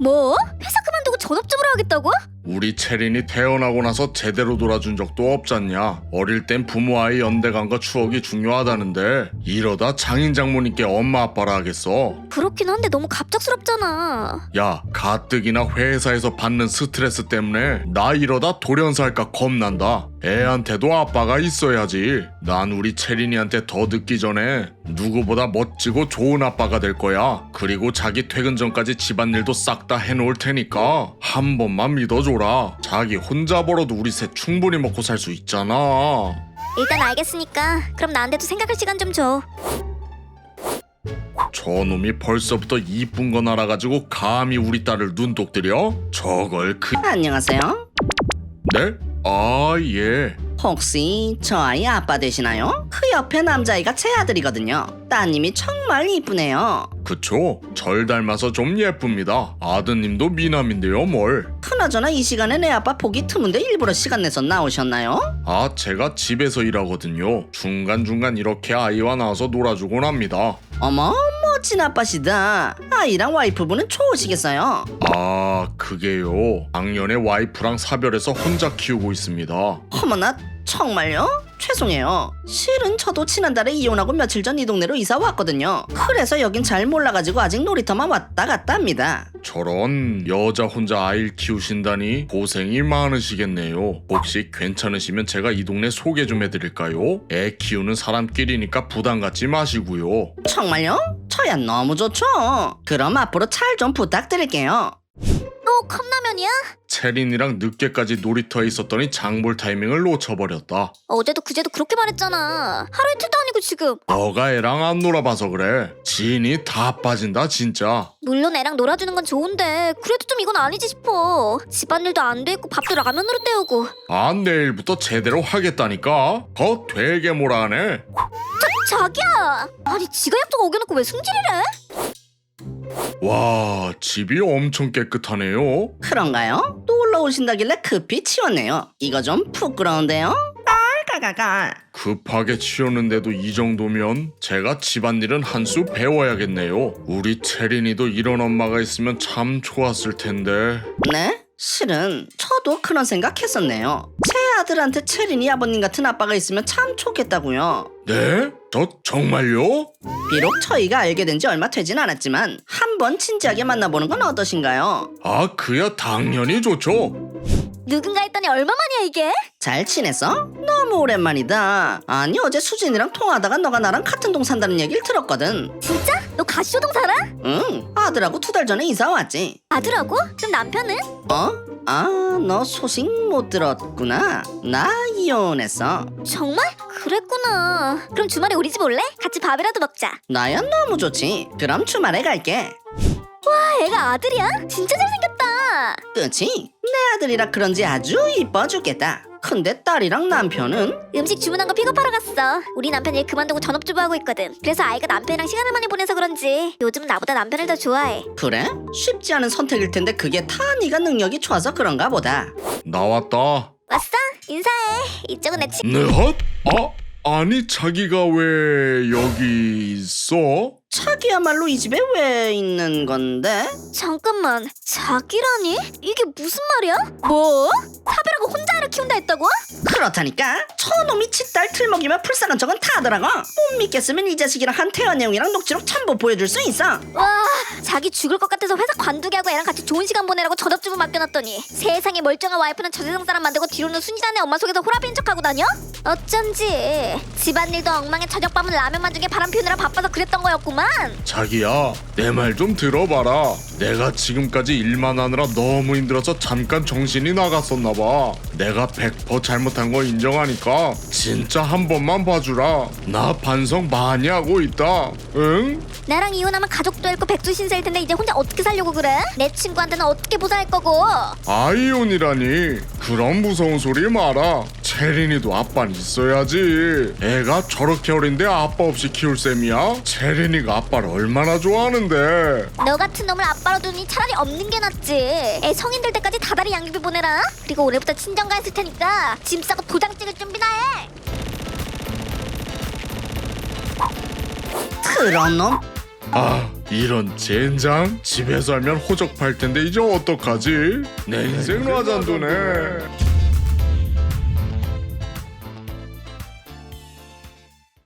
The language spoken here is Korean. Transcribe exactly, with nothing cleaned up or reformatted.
뭐? 회사 그만두고 전업주부로 하겠다고? 우리 채린이 태어나고 나서 제대로 놀아준 적도 없잖냐. 어릴 땐 부모 아이 연대감과 추억이 중요하다는데 이러다 장인 장모님께 엄마 아빠라 하겠어. 그렇긴 한데 너무 갑작스럽잖아. 야, 가뜩이나 회사에서 받는 스트레스 때문에 나 이러다 돌연사할까 겁난다. 애한테도 아빠가 있어야지. 난 우리 채린이한테 더 늦기 전에 누구보다 멋지고 좋은 아빠가 될 거야. 그리고 자기 퇴근 전까지 집안일도 싹 다 해놓을 테니까 한 번만 믿어줘라. 자기 혼자 벌어도 우리 셋 충분히 먹고 살 수 있잖아. 일단 알겠으니까 그럼 나한테도 생각할 시간 좀 줘. 저놈이 벌써부터 이쁜 건 알아가지고 감히 우리 딸을 눈독 들여? 저걸 그... 안녕하세요. 네? 아, 예. 혹시 저 아이 아빠 되시나요? 그 옆에 남자아이가 제 아들이거든요. 따님이 정말 이쁘네요. 그쵸? 절 닮아서 좀 예쁩니다. 아드님도 미남인데요, 뭘. 그나저나 이 시간에 내 아빠 보기 드문데 일부러 시간 내서 나오셨나요? 아, 제가 집에서 일하거든요. 중간중간 이렇게 아이와 나와서 놀아주곤 합니다. 어머, 멋진 아빠시다. 아이랑 와이프분은 좋으시겠어요? 아, 그게요. 작년에 와이프랑 사별해서 혼자 키우고 있습니다. 어머나, 정말요? 죄송해요. 실은 저도 지난달에 이혼하고 며칠 전 이 동네로 이사 왔거든요. 그래서 여긴 잘 몰라가지고 아직 놀이터만 왔다 갔다 합니다. 저런, 여자 혼자 아이를 키우신다니 고생이 많으시겠네요. 혹시 괜찮으시면 제가 이 동네 소개 좀 해드릴까요? 애 키우는 사람끼리니까 부담 갖지 마시고요. 정말요? 저야 너무 좋죠. 그럼 앞으로 잘 좀 부탁드릴게요. 또 컵라면이야? 채린이랑 늦게까지 놀이터에 있었더니 장볼 타이밍을 놓쳐버렸다. 어제도 그제도 그렇게 말했잖아. 하루 이틀도 아니고 지금. 너가 애랑 안 놀아봐서 그래. 진이 다 빠진다 진짜. 물론 애랑 놀아주는 건 좋은데 그래도 좀 이건 아니지 싶어. 집안일도 안 돼 있고 밥도 라면으로 때우고. 아, 내일부터 제대로 하겠다니까. 거 되게 뭐라 하네. 자, 자기야! 아니 지가 약속 어겨놓고 왜 승질이래? 와, 집이 엄청 깨끗하네요. 그런가요? 놀러 오신다길래 급히 치웠네요. 이거 좀 부끄러운데요? 깔깔깔깔. 급하게 치웠는데도 이 정도면 제가 집안일은 한 수 배워야겠네요. 우리 채린이도 이런 엄마가 있으면 참 좋았을 텐데. 네? 실은 저도 그런 생각했었네요. 제 아들한테 채린이 아버님 같은 아빠가 있으면 참 좋겠다고요. 네? 저 정말요? 비록 저희가 알게 된 지 얼마 되진 않았지만 한번 진지하게 만나보는 건 어떠신가요? 아, 그야 당연히 좋죠. 누군가 했더니 얼마만이야 이게? 잘 지냈어? 너무 오랜만이다. 아니 어제 수진이랑 통화하다가 너가 나랑 같은 동 산다는 얘기를 들었거든. 진짜? 너 가시오동 살아? 응, 아들하고 두 달 전에 이사 왔지. 아들하고? 그럼 남편은? 어? 아, 너 소식 못 들었구나. 나 이혼했어. 정말? 그랬구나. 그럼 주말에 우리 집 올래? 같이 밥이라도 먹자. 나야 너무 좋지. 그럼 주말에 갈게. 와, 애가 아들이야? 진짜 잘생겼다. 그치? 내 아들이라 그런지 아주 이뻐 죽겠다. 근데 딸이랑 남편은? 음식 주문한 거 픽업하러 갔어. 우리 남편 일 그만두고 전업주부 하고 있거든. 그래서 아이가 남편이랑 시간을 많이 보내서 그런지 요즘 나보다 남편을 더 좋아해. 그래? 쉽지 않은 선택일 텐데 그게 다 네가 능력이 좋아서 그런가 보다. 나왔다. 왔어? 인사해. 이쪽은 내 친... 네, 헛? 아, 아니 자기가 왜 여기 있어? 자기야말로 이 집에 왜 있는 건데? 잠깐만, 자기라니? 이게 무슨 말이야? 뭐? 사별하고 혼자 아이를 키운다 했다고? 그렇다니까. 저놈이 칫딸 틀먹이며 불쌍한 척은 다 하더라고. 못 믿겠으면 이 자식이랑 한태원 내용이랑 녹취록 첨부 보여줄 수 있어. 와, 자기 죽을 것 같아서 회사 관두게 하고 애랑 같이 좋은 시간 보내라고 전업주부 맡겨놨더니 세상에 멀쩡한 와이프는 저세상 사람 만들고 뒤로는 순진한 애 엄마 속에서 호라비인 척하고 다녀? 어쩐지 집안일도 엉망에 저녁밥은 라면만 주게 바람 피우느라 바빠서 그랬던 거였구만. 자기야, 내 말 좀 들어봐라. 내가 지금까지 일만 하느라 너무 힘들어서 잠깐 정신이 나갔었나봐. 내가 백 퍼센트 잘못한 거 인정하니까 진짜 한 번만 봐주라. 나 반성 많이 하고 있다. 응? 나랑 이혼하면 가족도 잃고 백수신세일 텐데 이제 혼자 어떻게 살려고 그래? 내 친구한테는 어떻게 보살할 거고? 아이혼이라니. 그런 무서운 소리 마라. 채린이도 아빠는 있어야지. 애가 저렇게 어린데 아빠 없이 키울 셈이야? 채린이가 아빠를 얼마나 좋아하는데. 너 같은 놈을 아빠로 두니 차라리 없는 게 낫지. 애 성인 될 때까지 다달이 양육비 보내라. 그리고 올해부터 친정가 했을 테니까 짐 싸고 도장 찍을 준비나 해. 그런 놈. 아, 이런 젠장? 집에서 하면 호적팔 텐데 이제 어떡하지? 내 인생 라잔도네.